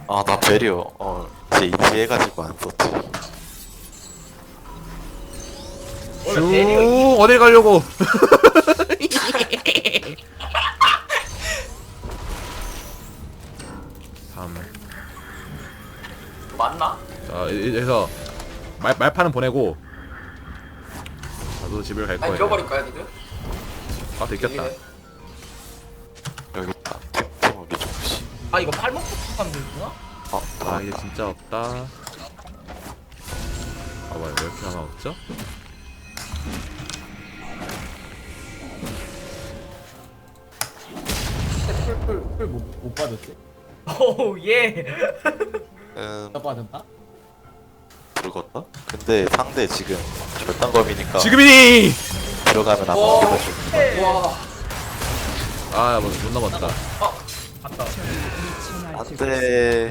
아, 나 베리어 이제 인지해가지고 안 썼지. 원래 베리어 쭉 어딜 가려고? 삼. 맞나? 자, 여기서 말판은 보내고 나도 집을 갈 아니 거야. 잃어버릴까요 니들? 아, 들켰다. 여기 있다. 템템무기 조금씩. 아 이거 팔목부터 하면 되구나? 아, 이제 진짜 없다. 봐봐, 왜 이렇게 하나 없죠? 풀못 받았지? 오우 예. 나 받았나? 붉었다? 근데 상대 지금 절단검이니까 지금이니! 들어가면 아마 와. 죽어줄. 와. 아, 못 넘었다. 갔다. 안돼.